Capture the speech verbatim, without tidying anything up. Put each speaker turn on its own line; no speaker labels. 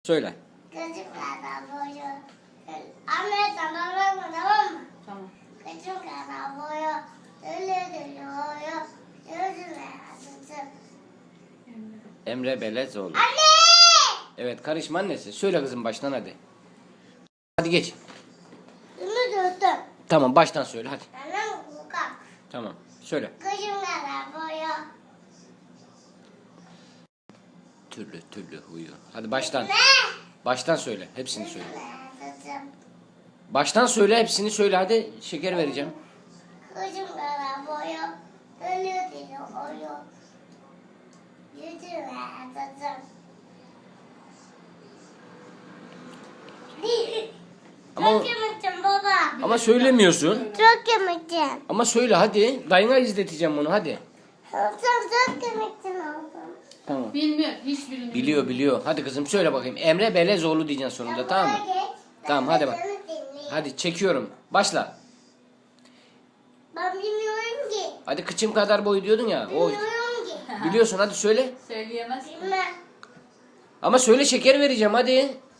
Söyle.
Kızım kadar boyu. Anne sana verme, tamam mı?
Tamam.
Kızım kadar boyu. Öyle dönüyor. Yüzüme yansıtsın.
Emre Belezoğlu.
Anne!
Evet, karışma annesi. Söyle kızım baştan hadi. Hadi geç.
Bunu döndüm.
Tamam, baştan söyle hadi.
Annem kokar.
Tamam. Söyle.
Kızım kadar boyu.
Türlü türlü huyu. Hadi baştan.
Ne?
Baştan söyle. Hepsini söyle.
Yüzüme yansıtsın.
Baştan söyle, hepsini söyle hadi. Şeker vereceğim.
Kızım kadar boyu. Öyle dönüyor. Yüzüme yansıtsın.
Ama
Çok yemektim baba.
ama söylemiyorsun.
Çok yemektim.
Ama söyle hadi. Dayına izleteceğim bunu hadi.
Çok çok yemektim oldum.
Tamam.
Bilmiyor. Hiç bilmiyor.
Biliyor biliyor. Hadi kızım söyle bakayım. Emre Belezoğlu diyeceksin sonunda, tamam mı? Tamam, hadi bak. Hadi çekiyorum. Başla.
Ben bilmiyorum ki.
Hadi kıçım kadar boy diyordun ya. O
Bilmiyorum ki.
biliyorsun, hadi söyle.
Söyleyemez.
Bilmem.
Ama söyle, şeker vereceğim hadi.